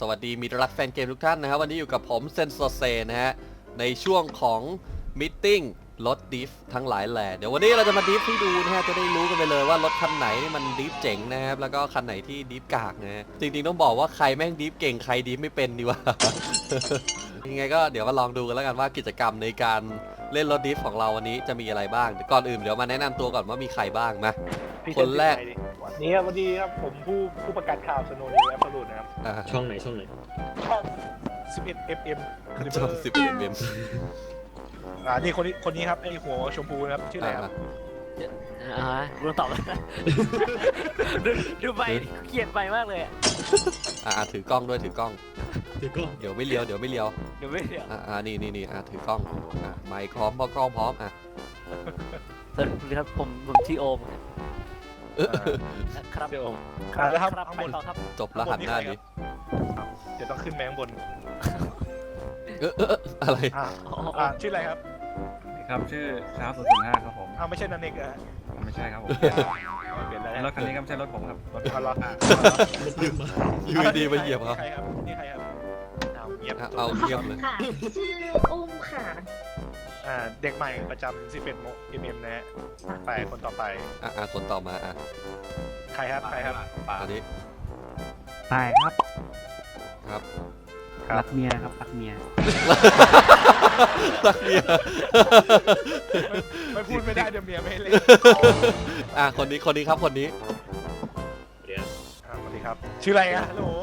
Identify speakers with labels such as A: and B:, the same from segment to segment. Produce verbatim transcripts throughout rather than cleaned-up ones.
A: สวัสดีมิตรรักแฟนเกมทุกท่านนะครับวันนี้อยู่กับผมเซนโซเซนะฮะในช่วงของมิทติ้งรถดิฟทั้งหลายแหล่เดี๋ยววันนี้เราจะมาดิฟให้ดูนะฮะจะได้รู้กันไปเลยว่ารถคันไหนนี่มันดิฟเจ๋งนะครับแล้วก็คันไหนที่ดิฟกากนะฮะจริงๆต้องบอกว่าใครแม่งดิฟเก่งใครดิฟไม่เป็นดีวะ ยังไงก็เดี๋ยวมาลองดูกันแล้วกันว่ากิจกรรมในการเล่นรถดิฟของเราวันนี้จะมีอะไรบ้างก่อนอื่นเดี๋ยวมาแนะนำตัวก่อนว่ามีใครบ้งมาคนแรก
B: นี่ครับวันนี้ครับผมผู้ผู้ประกาศข่าวสโนว์นิวแอปเปิลรูดนะครับ
C: ช่องไหนช่องไหน
B: ช่องสิบเอ็ด เอฟ เอ็ม
A: ช่องสิบเอ็ดเอ็ม
B: อ่านี่คนนี้คนนี้ครับไอหัวชมพูนะครับชื่ออะไรครับ
D: อ่ากูต้องตอบแล้ว ดูดูไปเกลียดไปมากเลยอ่ะ
A: อ่าถือกล้องด้วยถือกล้อง
C: เดี๋ยวก็
A: เดี๋ยวไม่เลี้ยวเดี๋ยวไม่เลี้ยว
D: เดี๋ยวไม่เดี๋ยว
A: อ่าอ่านี่นี่นี่อ่าถือกล้องอ่าไมค์พร้อมพอกล้องพร้อมอ่ะ
D: สวัสดีครับผมผมชื่อโอม
A: เออ
D: นะครับ
B: เดี๋ยว
D: ครั
B: อ่าแล้วครับ
D: ครับ
B: ข้าง
D: ไป
B: บน
D: ต่อครับ
A: จบรหัสหน้าดิ
B: เดี๋ยวต้องขึ้นแมข้างบน
A: เออเออเอออะไร
B: อ่าอ่าชื่ออะไรครับ
E: ครับชื่อครับศูนย์ศูนย์ห้าครับผม
B: อ้าวไม่ใช่นันเอกอะ
E: ไม่ใช่ครับผม
B: เปลี่ยนแล้ว
E: รถคันนี้ก็ไม่ใช่รถผมครับรถ
B: เอาละอ่ะ
A: อยู่ดีๆมาเหยียบเขา
B: นี่ใครครับนี่ใครครับเอาเงียบ
A: อ่ะเอาเงียบเลย
F: ค่ะชื่ออุ้มค่ะ
B: อ่าเด็กใหม่ประจำสิบเอ็ดโมเอ็มเอ็มนะฮะไปคนต่อไป
A: อ่ะอ่ะคนต่อมาอ่ะ
B: ใครครับใครครับ
E: ป่า
A: อันนี้
G: ตายครับ
A: ครับ
G: รักเมียครับรักเมีย
A: รักเมีย
B: ไม่ไม่พูดไม่ได้เดี๋ยวเมียไม่ให้เล่น
A: อ่ะคนนี้คนนี้ครับคนนี้
C: เดี๋ยว
B: อ่าสวัสดีครับชื่ออะไรอะฮัลโหล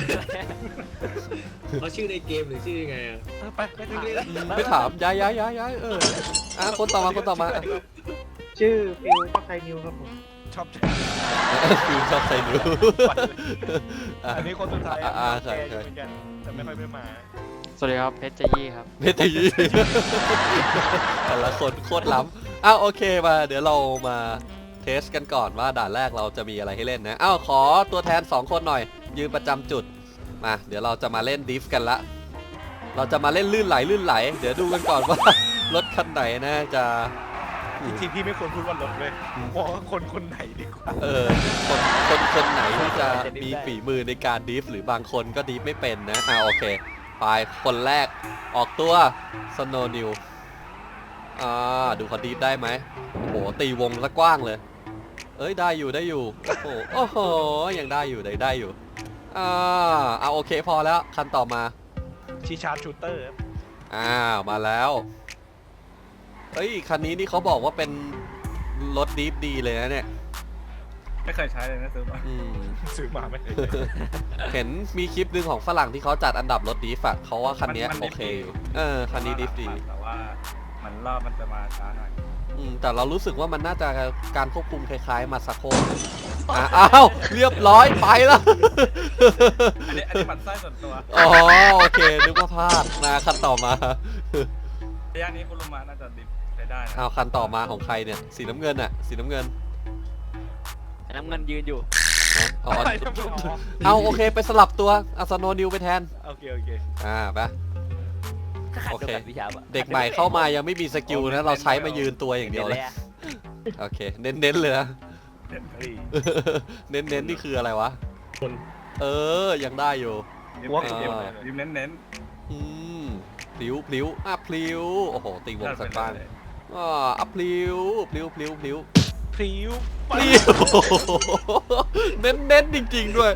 C: เขาชื่อในเกมหรือชื่อยังไงอ่ะ
B: เออไปไปถามเลย
A: ไม่ถามย้ายย้ายย้ายย้ายเอออ่ะคนต่อมาคนต่อมาอ่ะ
G: ชื่อฟิวก็ไทยนิวครับผม
B: ชอบ
A: คือชอบใส่นิ้วอ่ะ
B: อันนี้คนสุดท้าย
A: อ่าอ่าใช่
B: แก
A: ใช่
B: เหมือนกันแต่ไม่ค่อยไม่มา
G: สวัสดีครับเพชรเจยี่ครับ
A: เมตยีแต่ละคนโคตรล้ำอ้าวโอเคมาเดี๋ยวเรามาเทสกันก่อนว่าด่านแรกเราจะมีอะไรให้เล่นนะอ้าวขอตัวแทนสองคนหน่อยยืนประจำจุดมาเดี๋ยวเราจะมาเล่นดิฟกันละเราจะมาเล่นลื่นไหลลื่นไหล เดี๋ยวดูกันก่อนว่า รถคันไหนนะจะ
B: จริงๆพี่ไม่ควรพูดว่ารถเลยบอกว่าคนคนไหนดีกว่า
A: เออคนคนคนไหนที่จะมีฝีมือในการดิฟหรือบางคนก็ดิฟไม่เป็นนะอ่าโอเคไปคนแรกออกตัวสโนว์นิวอ่าดูเขาดิฟได้ไหมโอ้โหตีวงซะกว้างเลยเอ้ยได้อยู่ได้อยู่โอ้โหโอ้โหยังได้อยู่ได้ได้อยู่อ่าเอาโอเคพอแล้วคันต่อมา
B: ชีชาร์ดชูเตอร์
A: อ้าวมาแล้วเฮ้ยคันนี้นี่เขาบอกว่าเป็นรถดิฟดีเลยนะเนี่ย
E: ไม่เคยใช้เลยนะซื้อมา
A: อืม
B: ซื้อมาไม่เคย
A: เห็นมีคลิปหนึ่งของฝรั่งที่เขาจัดอันดับรถดิฟอะเขาว่าคันนี้โอเคอยู่เออคันนี้ดิฟดี
E: แต่ว่ามันรอบมันจะมาช้าหน่อย
A: อืมแต่เรารู้สึกว่ามันน่าจะการควบคุมคล้ายๆมาซาโคอ่ะอ้าวเรียบร้อยไปแล้ว
E: อันนี้อันนี้มันไส้ส่วนตัว
A: อ๋อโอเคนึกว่าพลาดมาคันต่อมา
E: ระยะนี้คุณลุงมาน่าจะดิฟใช้ได้นะ
A: เอาคันต่อมาของใครเนี่ยสีน้ำเงินอะสีน้ำเงิน
D: น้ำเงินยืนอยู่
A: นะอ๋อ
B: อะไรทำไมอ๋อ
A: เอาโอเคไปสลับตัวอัสโนนิวไปแทน
B: โอเคโอเค
A: อ่าไป
D: ก็ขัด
A: โอ
D: เดียว
A: เค
D: กันวิชาปะ
A: เด็กใหม่เข้ามายังไม่มีสกิลนะเราใช้มายืนตัวอย่างเดียวเลย
D: อะ
A: โอเคเน้นๆเลยนะ
B: เฮ้ย
A: เน้นๆนี่คืออะไรวะ
C: คน
A: เออยังได้อยู่
E: ดิฟ
B: หัว
E: เน้น
B: เข็ม
A: อ่า
E: ดิฟเน้นเน้น
A: อืมพลิ้วพลิ้วอ่ะพลิ้วโอ้โหตีวงสักบ้าง
E: เลย
A: อ่าอ่ะพลิ้วพลิ้วพลิ้วพลิ้ว
B: พริ้ว
A: พลิ้วเน้นเน้นจริงๆด้วย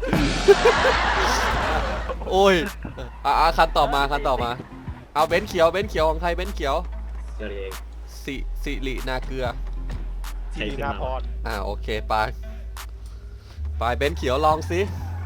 A: โอ้ยอ่ะอ่ะคันต่อมาคันต่อมาเอาเบนซ์เขียวเบนซ์เขียวของใครเบนซ์เขียว
C: เดี๋ยวเอง
A: สิสิรินาเกลือ
B: ทีนาพร
A: อ่าโอเคไปไปเบนซ์เขียวลองสิ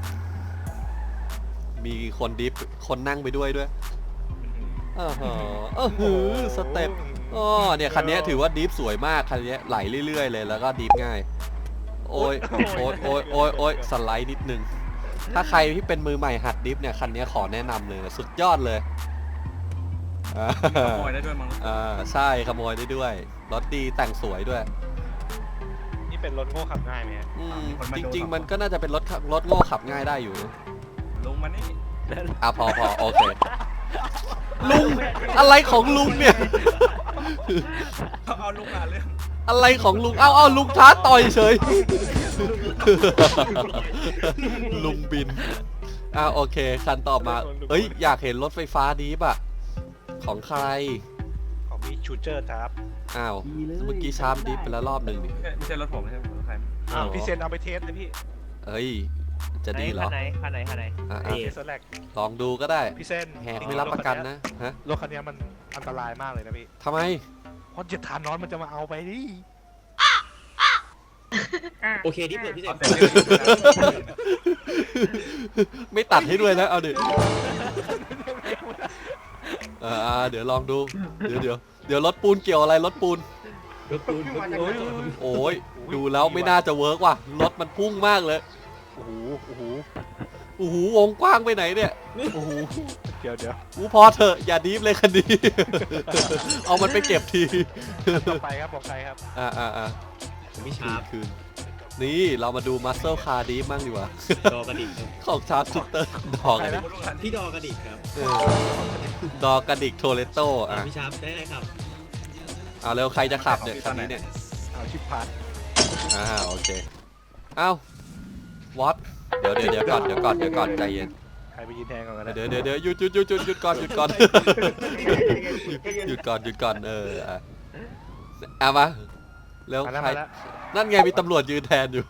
A: มีคนดิฟคนนั่งไปด้วยด้วยเออเหรอเออหือสเต็ปอ๋อเนี่ยคันนี้ถือว่าดิฟสวยมากคันนี้ไหลเรื่อยๆเลยแล้วก็ดิฟง่ายโอ้ยโอ้ยโอ้ยโอ้ยโอ้ยสไลด์นิดนึงถ้าใครที่เป็นมือใหม่หัดดิฟเนี่ยคันนี้ขอแนะนำเลยสุดยอดเลยอ่า
E: ขโมยได้ด้วยมั้ง
A: อ่าใช่ขโมยได้ด้วยรถดีแต่งสวยด้วย
B: นี่เป็นรถโง่ขับง่ายไหมฮะ
A: อืมจริงๆมันก็น่าจะเป็นรถขับรถโง่ขับง่ายได้อยู่นะ
E: ลุงมานี่
A: อ่ะพอพอโอเคลุงอะไรของลุงเนี่ย
E: เขาเอาลุงมาเรื่อง
A: อะไรของลุงเอาเอาลุงท้าต่อยเฉย ลุงบินอ่าโอเคคันต่อมาเฮ้ยอยากเห็นรถไฟฟ้าดีป่ะของใคร
B: ของมีชูเจอร์ครับ
A: อ้าวเมื่อกี้ชาร์ปดิฟไปแล้วรอบหนึ่งนี่
E: ไม่ใช่ไม่ใช่รถผมไม่ใช่รถใคร
B: อ้าวพี่เซนเอาไปเทสเลยพี่
A: เฮ้ยจะดีเหรอ
D: คันไหนคันไหนคันไหน
A: อ่ะ
B: เท
A: อ่ะ
B: สแลก
A: ลองดูก็ได้
B: พี่เซน
A: แหกไม่รับประกันนะฮะ
B: รถคันนี้มันอันตรายมากเลยนะพี่
A: ทำไม
B: เพราะเจ็ดฐานนอนมันจะมาเอาไปดิ
C: โอเคที่เปิดพี่เจ
E: เอา
C: ม
E: แต่เรื่องนี้นะ
A: ไม่ตัดให้ด้วยนะเอาดิเอออ่าเดี๋ยวลองดูเดี๋ยวเดี๋ยวเดี๋ยวรถปูนเกี่ยวอะไรรถปูน
C: รถปูนรถปูน
A: โอ้ยดูแล้วไม่น่าจะเวิร์กว่ะรถมันพุ่งมากเลยโอ้โหโอ้โหโอ้โหวงกว้างไปไหนเนี่ยโอ้โห
B: เดี๋ยวเดี๋ยว
A: อู้พอเถอะอย่าดีฟเลยคันนี้ เอามันไปเก็บที
B: ต่อไปครับบอกใครครับ
A: อ่าอ่าอ่า
C: ผมพี่
A: คื
C: ชาน ร์ป
A: คืนนี่เรามาดูมัสเซลคาร์ดีฟมั่งดีกว่า
C: ดอกระดิกครับ
A: ของชาร์ปชิตเตอร์ดอกกระดิก
C: พี่ดอกระดิกครับ
A: เออดอกกระดิกโทเลโตอ่ะ
C: พี่ชาร์ปได้เลยครับ
A: เอาเร็วใครจะขับเนี่ยคันนี้เนี่ย
B: เอาชิปพาร์ท
A: อ่าโอเคเอ้าวัดเดี๋ยวเดี๋ยวเดี๋ยวก่อนเดี๋ยวก่อนเดี๋ยวก่อนใจเย็น
B: ใครไปยืนแทนก่อนกันนะ
A: เดี๋ยวเดี๋ยวเดี๋ยวหยุดหยุดหยุดหยุดหยุดก่อนหยุดก่อน หยุดก่อนหยุดก่อนเอออ่ะเอามาเร็ว
B: มาแล้ว
A: ใคร
B: มาแล้ว
A: นั่นไงมีตำรวจยืนแทนอยู่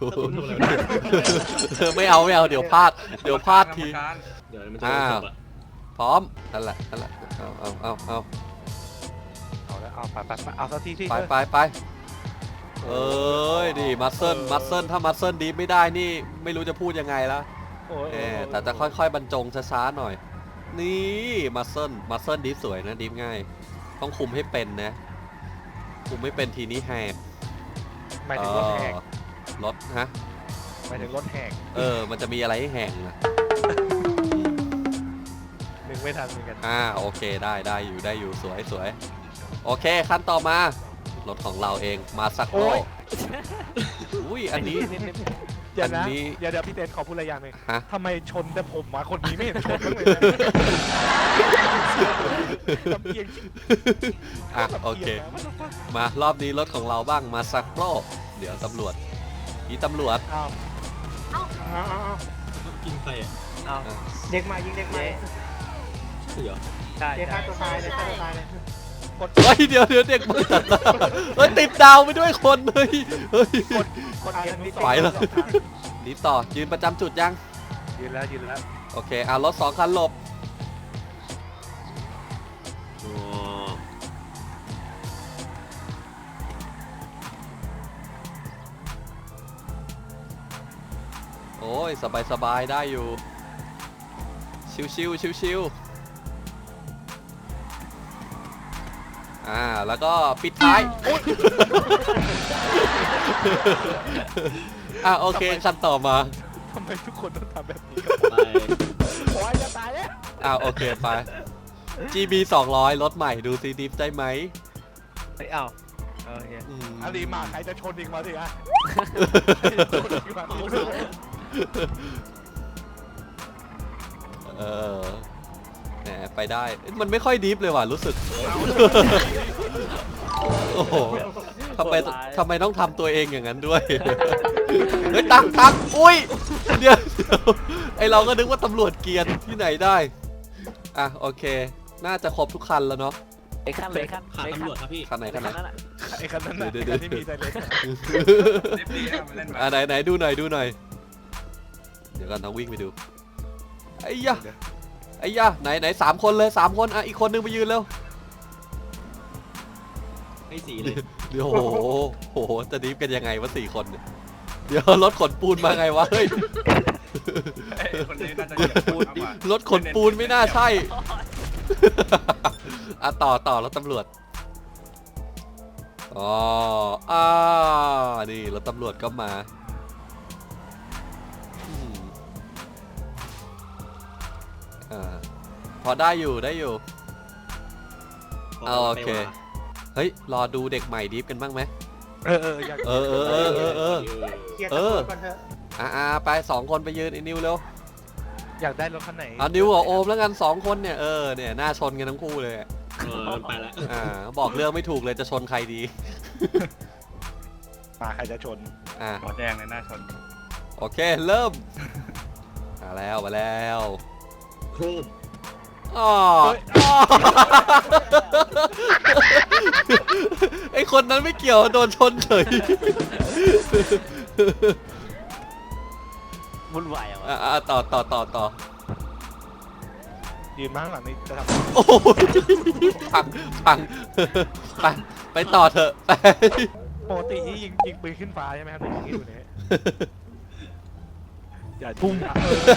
A: ไม่เอาไม่เอาเดี๋ยวพลาดเดี๋ยวพลาดที
C: เดี๋ยวมันจะจบอ่ะ
A: พร้อมนั่นแหละนั่นแหละเอาเอาเอาเอา
B: เอาแล้วเอาไปไปไปเอาสักทีที่
A: ไปไปไปเอ้ยดิมัสเซิลมัสเซิลถ้ามัสเซิลดีไม่ได้นี่ไม่รู้จะพูดยังไงแล้ว
B: โอ้ย
A: เออแต่จะค่อยๆบรรจงช้าๆหน่อย นี่มัสเซิลมัสเซิลดีฟสวยนะดีฟง่าย ต้องคุมให้เป็นนะ คุมไม่เป็นทีนี้แหก
B: หมายถึงรถแหก
A: เออรถฮะ
B: หมายถึงรถแหก
A: เออมันจะมีอะไรให้แหกนะ
B: นึกไม่ทันเหมือนกัน
A: อ่าโอเคได้ได้อยู่ได้อยู่สวยสวยโอเคขั้นต่อมารถของเราเองมาสักโลอุ้ยอันนี้
B: เดี๋ยวนะ
A: อันนี้
B: เดี๋ยวเดี๋ยวพี่เต้นขอพูดอะไรอย่างหนึ่ง
A: ฮะ
B: ทำไมชนแต่ผมมาคนนี้ไม่เห็นชนบ้างเลยนะลำเอียง
A: อ่ะโอเค มารอบนี้รถของเราบ้างมาสักโลเดี๋ยวตำรวจอีตำรวจ
B: อ้าวอ้าวอ้าวอ้าว
C: กินไปอ่ะ
D: เอา
G: เด็กใหม่ยิงเด็กใหม่
C: ใช่เหรอ
D: ใช่
G: เด็กฆ่า
D: ใช่
G: ตัวตายเลยฆ่าตัวตายเลย
A: เฮ้ยเดี๋ยวเดี๋ยวเด็กมาตัดดาวเฮ้ยติดดาวไปด้วยคนเฮ้ยเฮ้ย
B: คนเกมนี้
A: ไปแล้ว นี่ต่อยืนประจำจุดยัง
B: ยืนแล้วยืนแล้ว
A: โอเคอ่ะรถสองคันหลบ
C: อ๋อ
A: โอ้ยสบายสบายได้อยู่ ชิวชิวชิวชิวๆอ่าแล้วก็ปิดท้ายอุ๊ยอ่ะโอเคคันต่อมา
B: ทำไมทุกคนต้องทำแบบนี้
C: ไป
B: โอ้ยจะตายแล้ว
A: อ่ะโอเคไป จี บี สองร้อยรถใหม่ดูซีดิฟได้ไหม
D: เฮ้ยเอาโอเค
A: อืม
B: อารีมาใครจะชนอีกมาสิอ่ะชนอีกมา
A: เออแหมไปได้เอ้ยมันไม่ค่อยดิฟเลยว่ะรู้สึก โอ้โหทำไมทำไมต้องทำตัวเองอย่างนั้นด้วย เฮ้ยตักตักอุ้ยเดี๋ยวเดี๋ยวไอเราก็นึกว่าตำรวจเกรียนที่ไหนได้ อ่ะโอเค น่าจะครบทุกคันแล้วเนาะ
D: ไอ้ขั้นเลยขั้น
C: ขาด
D: ไอ้
C: ตำรวจครับพี่
A: คันไหนคันไหน
D: ขั้นนั้นอ่ะ
B: ไอ้คันนั้นน่ะ
A: เดี๋
B: ไอ้
A: ยว
B: คัน
A: เดี๋ยว
B: ที่มีไซเรน
E: ดิฟดีนะมันเล่นมา
A: อ่ะไหนไหนดูหน่อยดูหน่อย เดี๋ยวกันต้องวิ่งไปดูไอ้ยะไอ้ยะไหนไหนสามคนเลยสามคนอ่ะอีกคนนึงไปยืนเร็ว
C: ให้สีเลย
A: เดี๋ยวโอ้โหโอ้โหจะดิฟกันยังไงวะสี่คนเนี่ยเดี๋ยวรถขนปูนมาไงวะเฮ้ย
E: เอ้ยคนนี้น่าจะเหยียบปูนมากกว่าร
A: ถขนปูนไม่น่าใช่ อ่ะต่อต่อรถตำรวจอ๋ออ่านี่รถตำรวจก็มาอืมอ่าพอได้อยู่ได้อยู่ เอาโอเค เฮ้ยรอดูเด็กใหม่ดิฟกันบ้างไหม
B: เออเอออยาก
A: เออเออเออเออเออ
G: เคลียร์
A: เอ
G: ตำร
A: อ
G: วจก่อนเถอะ
A: อ่าอ่าไปสองคนไปยืนไอ้นิวเร็ว
B: อยากได้รถคันไหน
A: เอานิวกับโอมแล้วกันสองคนเนี่ยเออเนี่ยหน้าชนกันทั้งคู่เลยอะ
C: เออมันไปแล้ว
A: อ่าบอกเรื่องไม่ถูกเลยจะชนใครดี
B: มาใครจะชน
A: อ่า
E: หัวแดงในหน้าชน
A: โอเคเริ่มมาแล้วมาแล้ว
C: โครม
A: อ๋ออ๋อไอคนนั้นไม่เกี่ยวโดนชนเฉย
D: วุ่นวายอ่ะวะ
A: อ่ะต่อต่อต่อต่อ
B: ยืนมาข้างหลังนี่จะท
A: โอ้ยพังพังไปไปต่อเถอะไป
B: ำปกติที่ยิงยิงปืนขึ้นฟ้าใช่ไหมครับหรือยิงที่อยู่เนี่ยอย่าพุ่งอ่ะ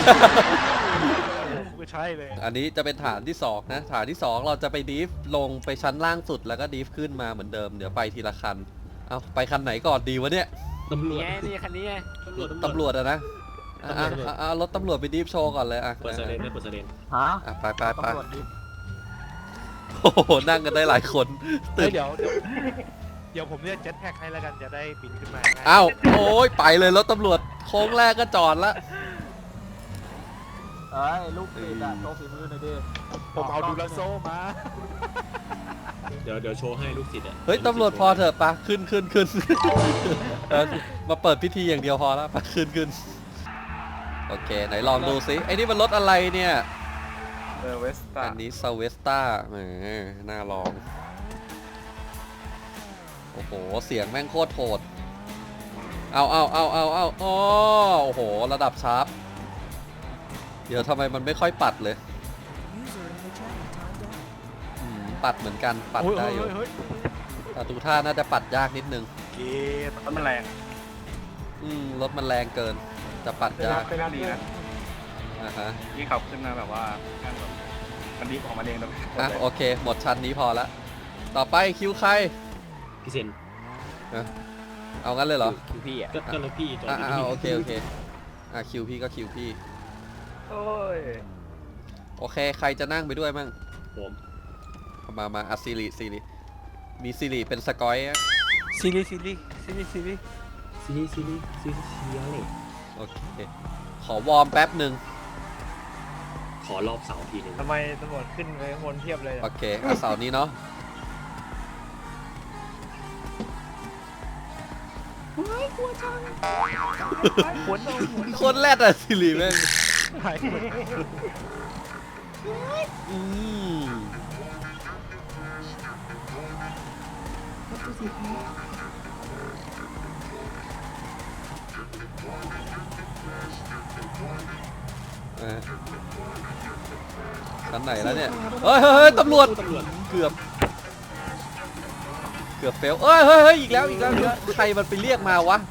B: ไม่ใช่เลย
A: อันนี้จะเป็นฐานที่สองนะฐานที่สองเราจะไปดีฟลงไปชั้นล่างสุดแล้วก็ดีฟขึ้นมาเหมือนเดิมเดี๋ยวไปทีละคันเอาไปคันไหนก่อนดีวะเนี่ย
C: ตำรวจ
D: นี่ไงนี่คันนี้ไง
C: ตำรวจ
A: ตำรวจอะนะอ่ะอ่ะอ่ะอ่ะรถตำรวจไปดีฟโชว์ก่อนเลยอ่ะ
C: เปิดเซเลนได้เปิดเซเลน
G: ฮะ
A: อ่ะไปไปไป
G: ตำรวจดิ
A: โอ้โหนั่งกันได้หลายคน
B: เฮ้
A: ตื่
B: ย
A: น
B: เดี๋ยวเดี๋ยวเดี๋ยวผมเรียกเจ็ตแพ็กให้แล้วกันจะได้บินขึ้นมาง่าย
A: อ้าวโอ้ยไปเลยรถตำรวจโค้งแรกก็จอดละ
G: เอ้ยลูกติดอะโชว์ฝีมือหน่อยดิ
B: ผมเอาดูลาโซมา
C: เดี๋ยวเดี๋ยวโชว์ให้ลูกศิษย์อ่ะ
A: เฮ้ยตำรวจพอเถอะปะขึ้นขึ้นขึ้นเออมาเปิดพิธีอย่างเดียวพอแล้วปะขึ้นขึ้นโอเคไหนลองดูสิไอ้นี่มันรถอะไรเนี่ย
E: เออเวสต้า
A: อันนี้ซาเวสต้าแหมน่าลอง โอ้โห เสียงแม่งโคตรโหด เอาเอาเอาเอาเอาอ๋อโอ้โห ระดับชาร์ป เดี๋ยวทำไมมันไม่ค่อยปัดเลยอืมปัดเหมือนกัน ปัด
B: โอ้ย
A: ได้
B: เฮ้ย
A: อยู่
B: เฮ้ย
A: แต่ดูท่าน่าจะปัดยากนิดนึง
B: เกต
E: แล้วมันแรง
A: อืม รถมันแรงเกิน จะปัดยาก
E: เป็นดีนะ
A: อ่ะฮะ
E: ยี่ขับขึ้นมาแบบว่าข้างแบบมันดิฟออกมาเองเลย
A: อ่ะโอเค หมดชั้นนี้พอละ ต่อไปคิวใคร
C: พี่เซน
A: เอางั้นเลยเหรอ
D: คิวพี่อ่ะ
C: ก็ก็รถพี่จอด
A: อ่ะ
C: อยู่
A: อ่ะ
C: ที่
A: โอเคโอเคอ่ะคิวพี่ก็คิวพี่
B: โอ้ย
A: โอเค ใครจะนั่งไปด้วยมั่ง
C: ผม
A: มามาอะซิริซิริมีซิริเป็นสกอยอะ
B: ซีรีส์ซีรีส์ซีรีส์ซีรีส์
C: ซีรีส์ซีรีส์ซีรีส์ซีรีส์
A: โอเค ขอวอร์มแป๊บหนึ่ง
C: ขอรอบเสาทีหนึ่ง
G: ทำไมตำรวจขึ้นไปข้างบนเทียบเลย
A: โอเคอ่ะเสาร์นี้เนาะ
B: หัวโนหัว
A: โคตรแรดอะซิริแม่ง
B: หายหัว
A: อืมอ่ะชั้นไหนแล้วเนี่ย เฮ้ยเฮ้ยเฮ้ยตำรวจ
C: ตำรวจ
A: เกือบ เกือบเฟลเอ้ยเฮ้ยเฮ้ยอีกแล้วอีกแล้วอีกแล้วใครมันไปเรียกมาวะ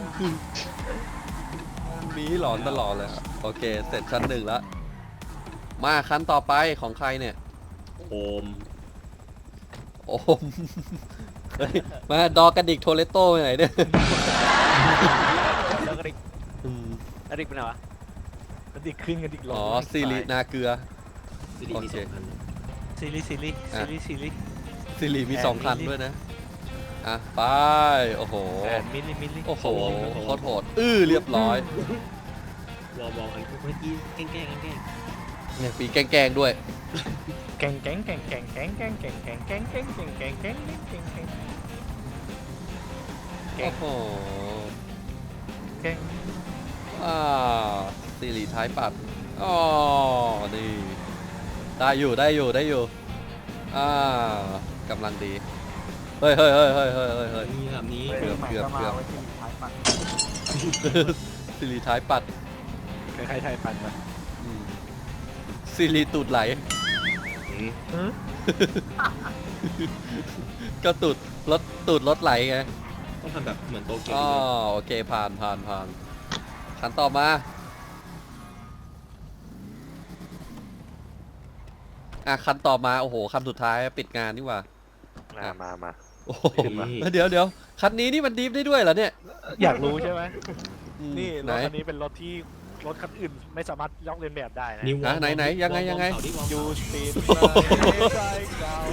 A: มีหลอนตลอดเลยอะโอเค เสร็จชั้นหนึ่งแล้ว มาขั้นต่อไปของใครเนี่ย
C: โคม
A: โอม เฮ้ยมาดอกระดิกโทเลโต้ไปไหนเนี่ย
D: แล้วก็ริก
A: อืม
D: แล้วริกเป็นไงวะ
B: กันดิกขึ้นกันดิกลง
A: อ๋อซิรินาเกลือ
C: ซีรีส์มีสองคัน
B: ซีรีส์ซีรีส์ซีรีส์ซีรีส์
A: ซิริมี
B: แอน
A: สองคัน
B: มิลลิ
A: ด้วยนะ อ่ะ ไป โอ้โห
B: แปดมิลลิมิลลิ
A: โอ้โหโคตรโหด อื้อเรียบร้อย
C: วอลวอลอันเมื่อกี้แกล้งแกล้งแกล้ง
A: เนี่ยปีแกล้งๆด้วย
B: แกงแกงแกงแกงแกงแกงแกงแกงแกงแกงแกงแกงแกงแกงแกงแกง แกง
A: โอ้โห
B: แกง
A: อ่าซิริท้ายปัด อ๋อ นี่ ได้อยู่ได้อยู่ได้อยู่ อ่ากำลังดี เฮ้ยเฮ้ยเฮ้ยเฮ้ยเฮ้ยเฮ้ยเฮ้ย
C: นี่แบบนี้
A: เกือบเกือบเกือบ
G: ไว้ที่ท้ายปัด
A: ซิริท้ายปัด
B: ใครๆไทยปั่นมา
A: อืมซิริตูดไหล ก็ตูดรถตูดรถไหลไง
C: ต้องทำแบบเหมือนโตเกียว
A: อ๋อ
C: นิดนึง
A: โอเคผ่านผ่านผ่านคันต่อมา อ่ะคันต่อมา โอ้โหคันสุดท้ายปิดงานนี่หว่า
B: มามามา
A: โอ้โห
C: นี่
A: เดี๋ยวเดี๋ยวคันนี้นี่มันดีฟได้ด้วยเหรอเนี่ย
B: อยากรู้ใช่ไหม
A: อืม
B: นี่ร
A: ไหน
B: ถคันนี้เป็นรถที่รถคันอื่นไม่สามารถลอกเลียนแบบได้นะ
C: วอล
A: อ่ะไหนไหนยังไงยังไง
C: วอลเสาดิวอลเสา
B: ยูสปีดใจเก่า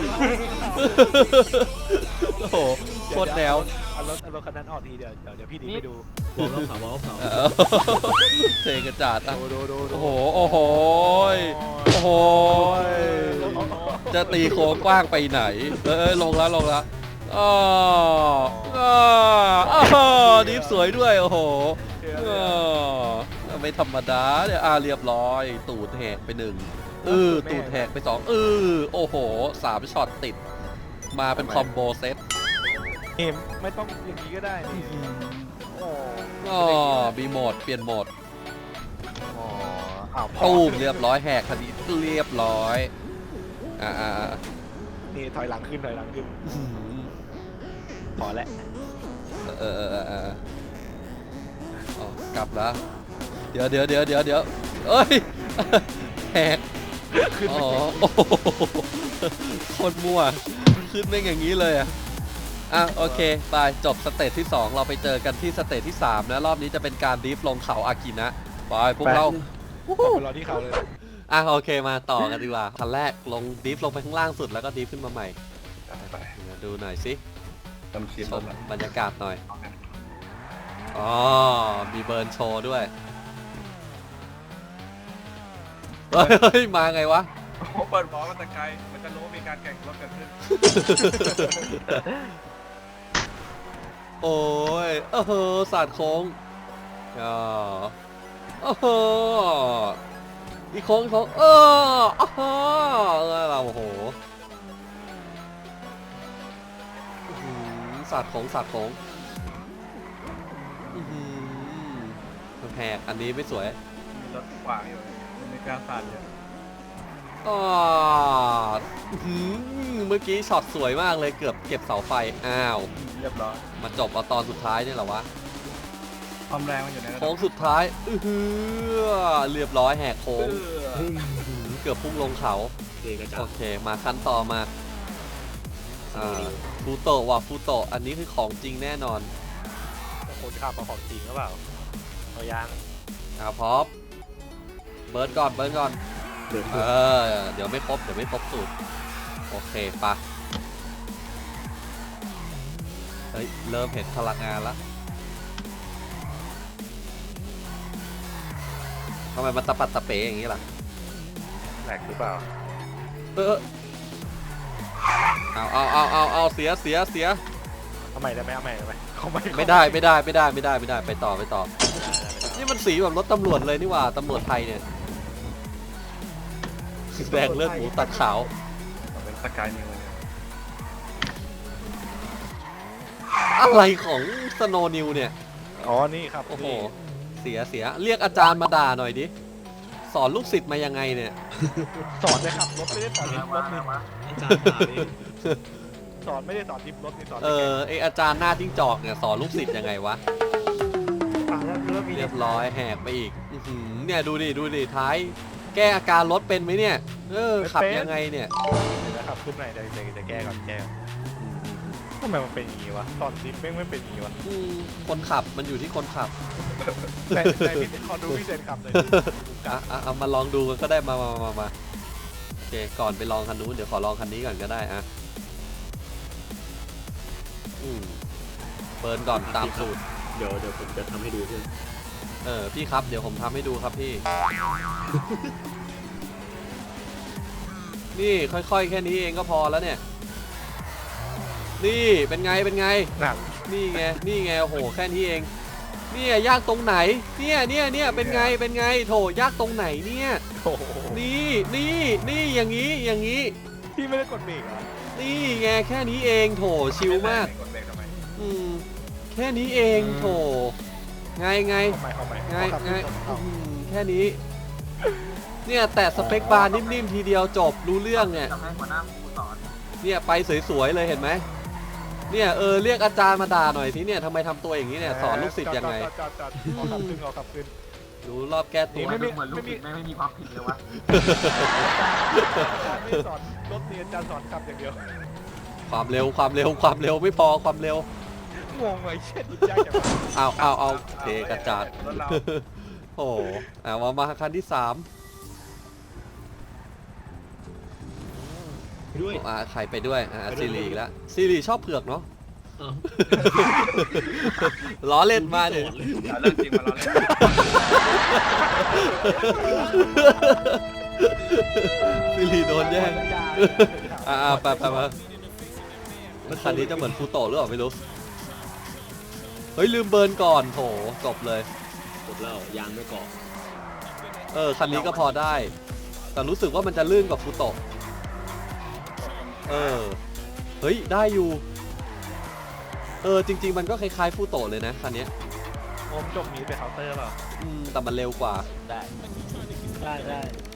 A: โอ้โหโคตรแนว
B: เอารถเอารถคันนั้นออกทีเดียวเดี๋ยวเดี๋ยวพี่ดีไปดู
C: วอลรอบเสาวอลรอบเสา
A: เออเทกระจาดอ่ะ
B: ดูดูดู
A: โอ้โห โอ้โห โอ้โห จะตีโค้งกว้างไปไหน เออเออลงแล้วลงแล้วอ๋ออ๋ออ๋อดิฟสวยด้วย โอ้โหอ๋อไม่ธรรมดาเนี่ยอ่าเรียบร้อย ตูดแหกไปหนึ่งเออตูดแหกไปสองเออโอ้โหสามช็อตติด มาเป็นคอมโบเซต
B: เกมไม่ต้องอย่างนี้ก็ได้นี่โอ้
A: อ๋อมีโหมดเปลี่ยนโหมด
B: โหอ้าวพอ
A: ตู้มเรียบร้อยแหกคดีเรียบร้อยอ่าอ่าอ่า
B: นี่ถอยหลังขึ้นถอยหลังขึ้น
A: อื้อหือ
B: พอแล้ว
A: เออเออเออเอออ๋อกลับแล้วเดี๋ยวเดี๋ยวเดี๋ยวเดี๋ยวเดี๋ยวเอ้ยแหกอ๋อโอ้โหโคตรมั่วขึ้นไม่อย่างนี้เลยอ่ะอ่ะโอเคไปจบสเตจที่สองเราไปเจอกันที่สเตจที่สามนะรอบนี้จะเป็นการดริฟต์ลงเขาอากินะไปพวกเรา
B: ไปรอที่เขาเลย
A: อ่ะโอเคมาต่อกันดีกว่าคันแรกลงดริฟต์ลงไปข้างล่างสุดแล้วก็ดริฟต์ขึ้นมาใหม่
E: ไป
A: ดูหน่อยสิ
E: ทำชิม
A: ช
E: แล้ว
A: มบรรยากาศหน่อยอ๋อมีเบิร์นโชว์ด้วยเฮ้ยมาไงวะ
E: โอ้โหเปิดหมอมาแต่ไกลมันจะรู้ว่ามีการแข่งรถเกิดขึ้น
A: โอ้ยเออเฮอสาดโค้งอ๋อเออเฮออีกโค้งอีกโค้งเอออ๋อเราโอ้โหอื้อหือสาดโค้งสาดโค้งอื้อหือแหกอันนี้ไม่สวย
E: มีรถขวางอยู่มันมีการสั่นอยู่
A: อ๋ออื้อหือเมื่อกี้ช็อตสวยมากเลยเกือบเก็บเสาไฟอ้าว
E: เรียบร้อย
A: มาจบเอาตอนสุดท้ายนี่เหรอวะ
E: ความแรงมันอยู่ในระดั
A: โค้
E: บ
A: งสุดท้ายอือหือเรียบร้อยแหกโค้ง
E: เออ
A: เกือบพุ่งลงเขา
C: เกกระจา
A: โอเคมาขั้นต่อมาอ่าฟูโตะว่ะฟูโตะอันนี้คือของจริงแน่นอน
B: คนขับมาของจริงหรือเปล่าเอายาง
A: อ่าพร้อมเบิร์ดก่อนเบิร์ดก่อน
C: เดือด
A: เออเดี๋ยวไม่ครบเดี๋ยวไม่ครบสูตรโอเคปะเฮ้ยเริ่มเห็นพลังงานละทำไมมันตะปัดตะเป๋อย่างนี้ล่ะ
B: แหลกหรือเปล่า
A: เออเอาเอาเอาเอาเอาเสียเสียเสีย
B: เอาใหม่ได้ไหมเอาใหม่ได้ไหมเอาใหม่
A: ไม่ได้ไม่ได้ไม่ได้ไม่ได้ไม่ได้ไปต่อไปต่อ นี่มันสีแบบรถตำรวจเลยนี่หว่าตำรวจไทยเนี่ยแดงเลือดหมูตัดขาว
E: เป็นสกายนิวเนี่ย
A: อะไรของสโนนิวเนี่ย
B: อ๋อนี่ครับ
A: โอ้โห
B: นี่
A: เสียเสียเรียกอาจารย์มาด่าหน่อยดิสอนลูกศิษย์มายังไงเนี่ย
B: สอนเลยครับรถไม่ได้สอนดิฟรถนี่
C: อาจารย์ถามเอง
B: สอนไม่ได้สอนดิฟรถนี่สอน
A: เออไออาจารย์หน้าจิ้งจอกเนี่ยสอนลูกศิษย์ยังไงวะ
B: อ่ะแล้วแล้วมี
A: เรียบร้อยแหกไปอีกอื้อหือเนี่ยดูดิดูดิท้าย แก้อาการรถเป็นไหมเนี่ยเออขับยังไงเนี่ย
B: เดี๋ยวนะครับขึ้นไหนเดี๋ยวเดี๋ยวจะแก้ก่อนแก้ก่อนทำไมมันเป็นอย่างนี้วะตอนดิฟแม่งไม่เป็นอย่างนี้วะ
A: อืมคนขับมันอยู่ที่คนขับ
B: ในในพี่ขอดูพี่เซนขับเลย
A: อ่ะอ่ะเอามาลองดูกันก็ได้มามามามาโอเคก่อนไปลองคันนู้นเดี๋ยวขอลองคันนี้ก่อนก็ได้อ่ะอืมเปิดก่อนตามสูตร
C: เดี๋ยวเดี๋ยวผมจะทำให้ดูเพื่อน
A: เออพี่ครับเดี๋ยวผมทำให้ดูครับพี่ นี่ค่อยๆแค่นี้เองก็พอแล้วเนี่ย นี่เป็นไงเป็นไง
B: หนัก
A: นี่ไงนี่ไงโอ้โหแค่นี้เองเนี่ยยากตรงไหนเนี่ยเนี่ยเนี่ยเป็นไงเป็นไงโถยากตรงไหนเนี่ย
B: โอ้โห
A: นี่นี่นี่อย่างนี้อย่างนี้
B: พี่ไม่ได้กดเบรกเหรอ
A: นี่ไงแค่นี้เองโถชิลมาก
E: กดเบรกทำไม
A: อืมแค่นี้เองโถไงไง
B: เอาใหม่เอาใหม่
A: ไง
B: เอาขับ
A: ไง
B: ขึ้นเอา
A: อื้อหือแค่นี้ เนี่ยแต่สเปคบาร์นิ่มๆทีเดียวจบรู้เรื่องเนี่ย
G: ทำให้หัวหน้าครูสอน
A: เนี่ยไปสวยๆเลยเห็นไหมเนี่ยเออเรียกอาจารย์มาด่าหน่อยสิเนี่ยทำไมทำตัวอย่างนี้เนี่ยสอนลูกศิษย์ยังไง
B: จอดจอดจอดจอดเอาขับขึ้นเอาขับขึ้น
A: ดูรอบแก้ตัว
B: ไม่มี
G: เหมือนลูกศิษย์ไม่มีความผิดเลยวะ
B: อาจารย์ไม่ได้สอนรถนี่อาจารย์สอนขับอย่างเดียว
A: ความเร็วความเร็วความเร็วไม่พอความเร็ว
B: งงเลยเช่นยากจังวะ
A: เอาเอาเอาเทกระจาด
E: รถเรา
A: โอ้โหอ่ะมามาคันที่สาม
C: ด้วย
A: อ่ะใครไปด้วยอ่ะซีรีอีกแล้วซีรีชอบเผือกเนาะ
C: อ้าว
A: ล้อเล่นมาเนี่ย
C: สอนเลย
E: เอาเรื่องจริงมาเราเล่น
A: ซีรีโดนแย่ง
B: ยาก
A: อ่าไปไปมาคันนี้จะเหมือนฟูโตะหรือเปล่าไม่รู้ เฮ้ยลืมเบิร์นก่อนโถจบเลย
C: กดแล้วยางไม่เกาะ
A: เออคันนี้ก็พอได้ แต่รู้สึกว่ามันจะลื่นกว่าฟูโตะเออเฮ้ยได้อยู่เออจริง ๆ มันก็คล้ายๆฟูโตะเลยนะคันเนี้ย
B: โอมจบมีไปเคาน์เตอร์เปล่า
A: อืมแต่มันเร็วกว่า
D: ได้
C: ได้ได้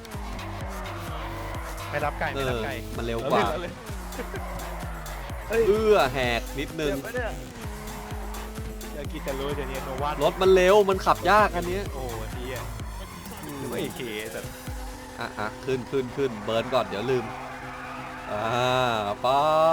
B: ไม่รับไก่
A: เอ
B: ไม่รั
A: อบ
B: ไก่
A: มันเร็วกว่า
B: เอเลย
A: เอื้อแหกนิดนึง
B: เดี๋ยวไม่ได้อยากกินแต่รู้เดี๋ยวนี้โนวาร
A: ถมันเร็วมันขับยากอันเนี้ย
B: โอ้ดีอ่ะ
A: อืม
B: หรือว่าเอเคแต่
A: อ่ะอ่ะขึ้นขึ้นขึ้นเบิร์นก่อนเดี๋ยวลืมอ่าไป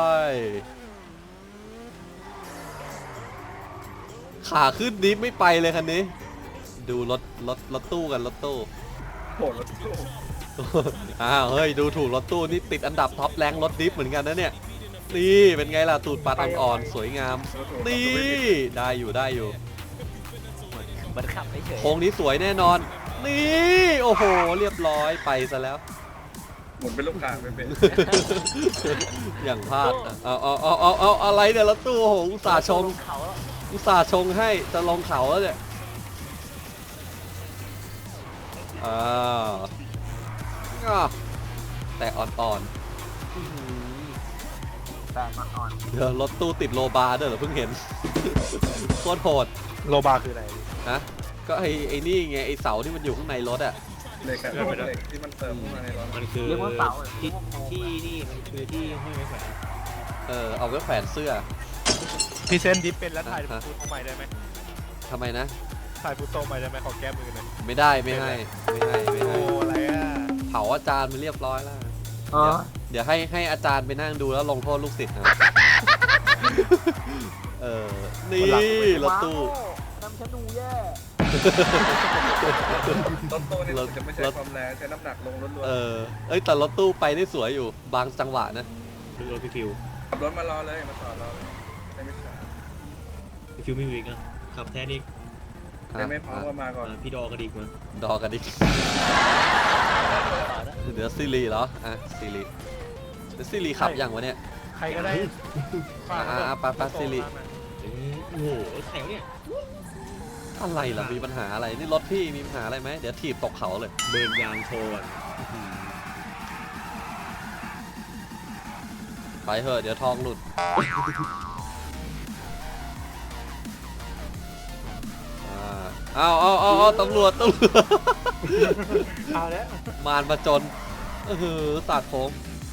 A: ขาขึ้นนี้ไม่ไปเลยคันนี้ ดูรถรถรถตู้กันรถตู้
E: โหรถตู้
A: อ้าวเฮ้ยดูถูกรถตู้นี่ติดอันดับท็อปแรงรถดิฟเหมือนกันนะเนี่ยนี่เป็นไงล่ะตูดปัดอ่อนๆสวยงามนี่ได้อยู่ได้อยู่
D: มันขับไม่เฉย
A: โค้งนี้สวยแน่นอนนี่โอ้โหเรียบร้อยไปซะแล้ว
E: หมุนเป็นลูกค้างไม่เป็น
A: อย่างพลาดอ่ะเอาเอาเอาเอาเอาอะไรเนี่ยรถตู้โอ้โหอุตส่าห์ชง
D: ลเขาแล้ว
A: อุตส่าห์ชงให้จะลงเขาแล้วเนี่ยอ่าอ่ะแต่อ่อนๆอื้อหือ
G: แต่อ่อน
A: เดี๋ยวรถตู้ติดโลบาร์ด้วยเหรอเพิ่งเห็น โคตรโหด
B: โลบาคืออะไร
A: ฮะก็ไอ้ไอ้นี่ไงไอ้เสาที่มันอยู่ข้างในรถอ่ะ
E: เหล็กอะพวกเหล็กที่มันเติมเข้ามาในรถ
C: มันคือ
G: ๆเรียกว่าเสาหรือ
C: ที่
G: เรียกว่าโค้ง
C: ที่นี่มันคือที่ห้อยไม้แขวน
A: เออเอาไว้แขวนเสื้อ
B: พรีเซนต์ดิฟเป็นแล้วถ่าย
A: ฮะ
B: ฟูโตใหม่ได้ไหม
A: ทำไมนะ
B: ถ่ายฟูโตใหม่ได้ไหมขอแก้มือหน่อย
A: ไม่ได้ไม่ให้ไม่ให้ไม่
B: โอ้
A: ให้
B: อะไรอ่ะ
A: เผาอาจารย์ไปเรียบร้อยแล้ว
G: เออ
A: เดี๋ยวให้ให้อาจารย์ไปนั่งดูแล้วลงโทษลูกศิษย์นะ เออ นี่รถตู้
G: นำชะนูแย่
E: รถตู้นี่
A: รถ
E: จะไม่ใช้ความแรงใช้น้ำหนักลงล้วน
A: เออ เอ้ยแต่รถตู้ไปได้สวยอยู่ บางจังหวะนะ
C: คือรถพี่ฟิว
E: ๆขับรถมารอเลยมาจอดรอเลยได้ไม่ช้า
C: พี่ฟิวไม่วิกอ่ะขับแท้นี่
E: ได้ไม่พร้อมก็มาก่อน
C: อ่าพี่ดอกระดิกมา
A: ดอกันดิ เดี๋ยวซีรีเหรอ อ่ะซีรีเดี๋ยวซีรีขับยังวะเนี่ย
B: ใครก็ได้
A: อ่าอ่าปะปะสิริ
C: เอ้ยโอ้โหแถวเนี่ย
A: อะไรล่ะ มีปัญหาอะไร นี่รถพี่มีปัญหาอะไรไหม เดี๋ยวถีบตกเขาเลย
C: เบิร์นยางโชว์ก่อน
A: ไปเถอะเดี๋ยวทองหลุด อ่าเอาเอาเอาเอาตำรวจตำรวจ
B: เอาแล้ว
A: มารมาจนเออตัดผม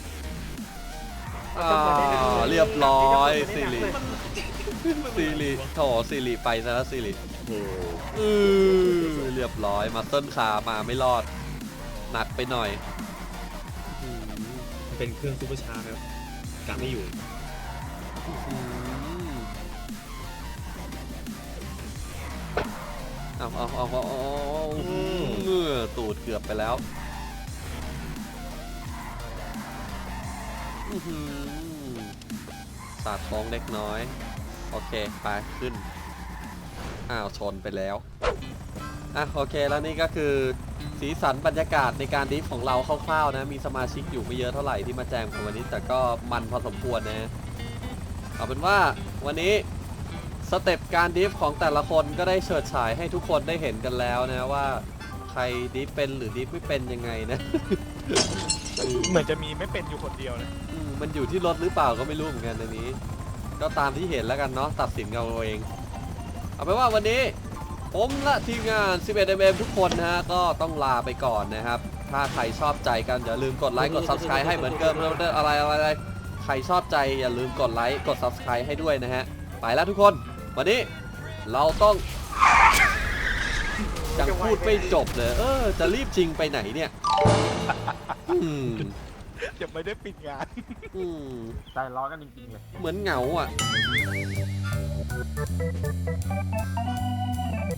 A: อ่าเรียบร้อยสิริสิริโถสิริไปซะแล้วสิริ
C: โอ้โห
A: อือเรียบร้อยมาเต้นขามาไม่รอด หนักไปหน่อยอืม
C: มันเป็นเครื่องซูเปอร์ชาร์จครับกะไม่อยู่
A: อืมเอาเอาเอาเอาเอาเออตูดเกือบไปแล้วอื้อหือสาดท้องเล็กน้อย โอเค ไปขึ้น อ้าว ชนไปแล้ว อ่ะ โอเค แล้วนี่ก็คือสีสันบรรยากาศในการดิฟของเราคร่าวๆนะ มีสมาชิกอยู่ไม่เยอะเท่าไหร่ที่มาแจมกันวันนี้ แต่ก็มันพอสมควรนะ เอาเป็นว่าวันนี้สเต็ปการดิฟของแต่ละคนก็ได้เฉิดฉายให้ทุกคนได้เห็นกันแล้วนะว่าใครดิฟเป็นหรือดิฟไม่เป็นยังไงนะ
B: เหมือนจะมีไม่เป็นอยู่คนเดียวนะ
A: อืมมันอยู่ที่รถหรือเปล่าก็ไม่รู้เหมือนกันอันนี้ ก็ตามที่เห็นแล้วกันเนาะตัดสินกันเอาเอง เอาเป็นว่าวันนี้ผมและทีมงาน สิบเอ็ด เอ็ม เอ็ม ทุกคนนะฮะก็ต้องลาไปก่อนนะครับ ถ้าใครชอบใจกันอย่าลืมกดไลค์กด Subscribe ให้เหมือนเดิมแล้วอะไรอะไรอะไรใครชอบใจอย่าลืมกดไลค์กด Subscribe ให้ด้วยนะฮะไปแล้วทุกคนวันนี้เราต้องยังพูดไม่จบเลยเออจะรีบจริงไปไหนเนี่ยอืม
B: จะไม่ได้ปิดงาน
A: อืม
G: ใจร้อนกันจริงๆเลย
A: เหมือนเหงาอ่ะ